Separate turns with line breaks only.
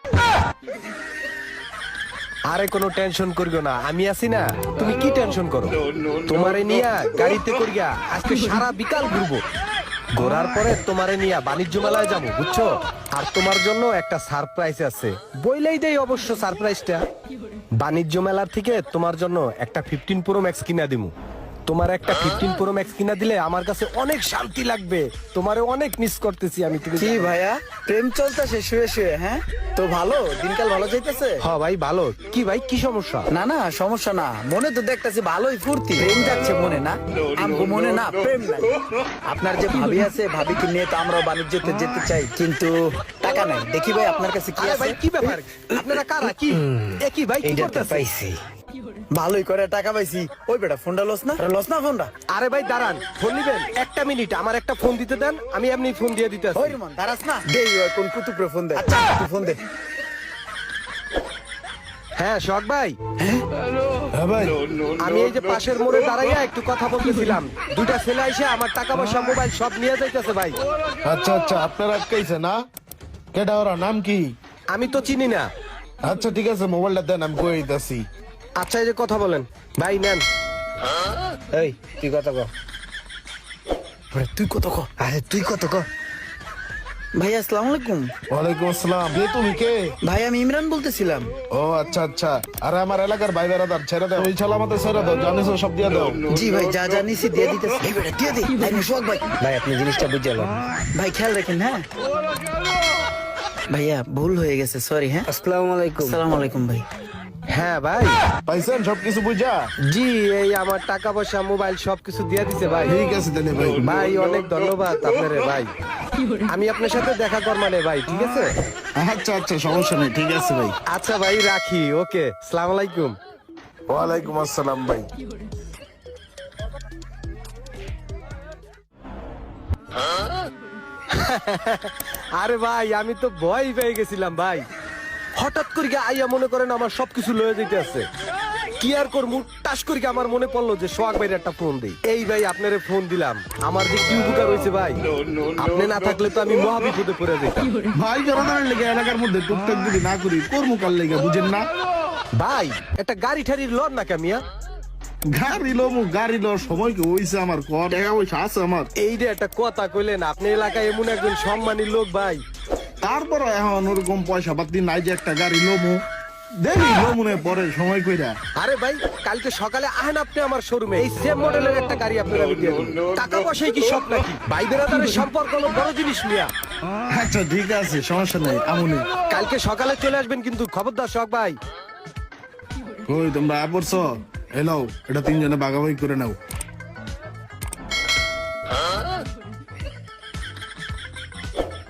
আরে কোনো টেনশন করিও না, আমি আছি না। তুমি কি টেনশন করো? তোমারে নিয়া গাড়িতে করিয়া আজকে সারা বিকাল ঘুরবো। ঘোরার পরে তোমারে নিয়া বাণিজ্য মেলায় যাবো, বুঝছো? আর তোমার জন্য একটা সারপ্রাইজ আছে, বইলেই দেই অবশ্য সারপ্রাইজটা। বাণিজ্য মেলার থেকে তোমার জন্য একটা 15 প্রো ম্যাক্স কিনা দিমু। তোমার একটা 15 প্রো ম্যাক্স কিনা দিলে আমার কাছে অনেক শান্তি লাগবে। তোমারে অনেক মিস করতেছি আমি। তুমি
কি ভাইয়া, প্রেম চলতেছে শুয়ে শুয়ে? হ্যাঁ তো ভালো, দিনকাল ভালো যাইতেছে?
হ্যাঁ ভাই ভালো। কি ভাই, কি সমস্যা?
না না সমস্যা না, মনে তো দেখতেছি ভালোই ফুর্তি। প্রেম যাচ্ছে মনে না, আমগো মনে না প্রেম নাই। আপনার যে ভাবি আছে, ভাবিকে নিয়ে তো আমরাও বাণিজ্যতে যেতে চাই, কিন্তু টাকা নাই। দেখি ভাই আপনার কাছে কি
আরে
আছে।
ভাই কি ব্যাপার? আপনারা কারা? কি কি ভাই, কি করতেছেন?
পাইছি, ভালোই করে টাকা পাইছি। ওই বেটা ফোনটা লস না ফোনটা।
আরে ভাই দাঁড়ান, ফোন নিবেন? একটা মিনিট, আমার একটা ফোন দিতে দেন, আমি এমনি ফোন দিয়ে দিতে
ওই রমান দাঁড়াস না, দেই কোন কুতুপরে ফোন দে। আচ্ছা তুই ফোন দে।
হ্যাঁ শখ ভাই,
হ্যাঁ ভাই,
আমি এই যে পাশের মোড়ে দাঁড়াইয়া একটু কথা বলতেছিলাম। দুইটা ছেলে এসে আমার টাকা পয়সা মোবাইল সব নিয়ে যাইতেছে ভাই।
আচ্ছা আচ্ছা, আপনার আটকাইছে না? কেডা ওরা, নাম কি?
আমি তো চিনি না।
আচ্ছা ঠিক আছে, মোবাইলটা দেন, আমি কই দিতেছি।
আচ্ছা এই যে কথা বলেন ভাই, নেন।
এই তুই কত ক? তুই কত ক? আরে তুই কত ক? ভাই আসসালামু আলাইকুম।
ওয়ালাইকুম আসসালাম। তুমি কে?
ভাই আমি ইমরান বলতেছিলাম।
ও আচ্ছা আচ্ছা। আরে আমার এলাকার ভাই বেড়াদার, ছেড়ে দাও। ওই ছালা আমাদের ছেড়ে দাও, জানিস সব দিয়ে দাও।
জি ভাই, যা যা নিছি দিয়ে দিতেছি। এই বেটা দিয়ে দে। ভাই শোক ভাই, ভাই আপনি জিনিসটা বুঝালেন। ভাই খেয়াল রাখেন। হ্যাঁ ভাইয়া ভুল হয়ে গেছে, সরি। হ্যাঁ আসসালামু আলাইকুম। আসসালামু আলাইকুম ভাই।
হ্যাঁ ভাই।
পাইছেন সবকিছু বুঝা?
জি, এই আমার টাকা পয়সা মোবাইল সবকিছু দিয়ে দিছে ভাই।
ঠিক আছে তাহলে ভাই।
ভাই অনেক ধন্যবাদ আপনারে ভাই। আমি আপনার সাথে দেখা করমানে ভাই, ঠিক আছে?
আচ্ছা আচ্ছা, সমস্যা নেই, ঠিক আছে ভাই।
আচ্ছা ভাই রাখি, ওকে, সালাম আলাইকুম।
ওয়ালাইকুম আসসালাম ভাই।
আরে ভাই আমি তো ভয় পেয়ে গেছিলাম ভাই। হঠাৎ করে আইয়া মনে করেন আমার সবকিছু লয়ে যেতে আছে। কি আর করবো, টাস করে আমার মনে পড়লো যে সোহাগ ভাইয়ের একটা ফোন দেই। এই ভাই আপনারে ফোন দিলাম, আমার যে কি উপকার হয়েছে ভাই। আপনি না থাকলে তো আমি মহা বিপদে পড়ে যেতাম।
ভাই বেড়াদারের লেগে এলাকার মধ্যে টুকটাক যদি না করি, কর্মকার লেগে, বুঝেন না?
ভাই একটা গাড়ি ঠাড়ির লন না কামিয়া।
গাড়ি লো সময় কি হইছে? আমার কর টাকা পয়সা আছে আমার।
এই যে একটা কথা কইলেন, আপনি এলাকায় এমন একজন সম্মানী লোক ভাই।
তারপর এখন ওরকম পয়সা পাতি নাই যে একটা গাড়ি লোমু। দেখি লোমুনে পরে সময় কইরা।
আরে ভাই কালকে সকালে আহেন আপনি আমার শোরুমে, এই সেম মডেলের একটা গাড়ি আপনার আমি দিয়ে দেব। টাকা পয়সাই কি সব নাকি? ভাই বেরাদারের সম্পর্ক হলো বড় জিনিস মিয়া।
আচ্ছা ঠিক আছে, সমস্যা নাই, আমুনি।
কালকে সকালে চলে আসবেন কিন্তু, খবরদার শখ ভাই।
কই তোমরা পড়ছো? এলাও, এটা তিনজনে ভাগাভাগি করে নাও।